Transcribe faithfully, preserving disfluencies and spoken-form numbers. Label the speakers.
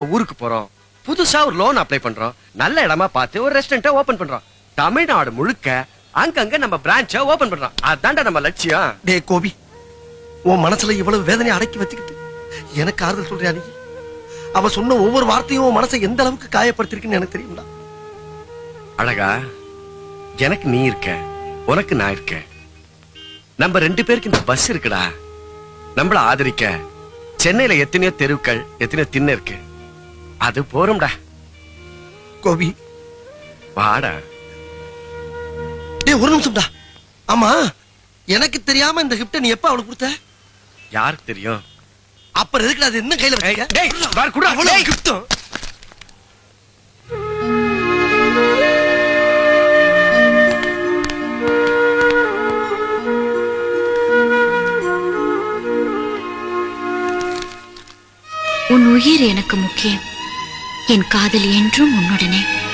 Speaker 1: ஊருக்கு போறோம், புதுசா ஒரு லோன் அப்ளை பண்றோம், நல்ல இடமா பார்த்து ஒரு ரெஸ்டாரண்ட் ஓபன் பண்றோம். தமிழ்நாடு முழுக்க அங்கங்க நம்ம பிரான்ச்ச ஓபன் பண்றோம். அதான்டா நம்ம லட்சியம்.
Speaker 2: டே கோபி, உன் மனசுல இவ்வளவு வேதனை அடக்கி வச்சுக்கிட்டு எனக்கு ஆறுதல் சொல்றியா நீ? அவ சொன்ன ஒவ்வொரு வார்த்தையும் உன் மனசை எந்த அளவுக்கு காயப்படுத்திருக்குன்னு எனக்கு தெரியும்டா.
Speaker 1: அழகா, எனக்கு நீ இருக்க, உனக்கு நான் இருக்க. நம்ம ரெண்டு பேருக்கு இந்த பஸ் இருக்குடா. நம்மள ஆதரிக்க சென்னையில எத்தனையோ தெருக்கள், எத்தனையோ திண்ணை இருக்கு. அது போறோம்டா.
Speaker 2: கோபி
Speaker 1: வாடா.
Speaker 2: டேய் ஒரு நிமிஷம்டா. ஆமா, எனக்கு தெரியாம இந்த கிஃப்ட் நீ எப்ப அவளுக்கு கொடுத்த?
Speaker 1: யாருக்கு தெரியும்?
Speaker 2: அப்புறம் எதுக்கு அது என்ன கையில வச்சிருக்க?
Speaker 1: டேய் பார் குடா.
Speaker 2: அவ்வளவு கிஃப்ட்.
Speaker 3: உன் உயிர் எனக்கு முக்கியம். என் காதல் என்றும் உன்னுடனே.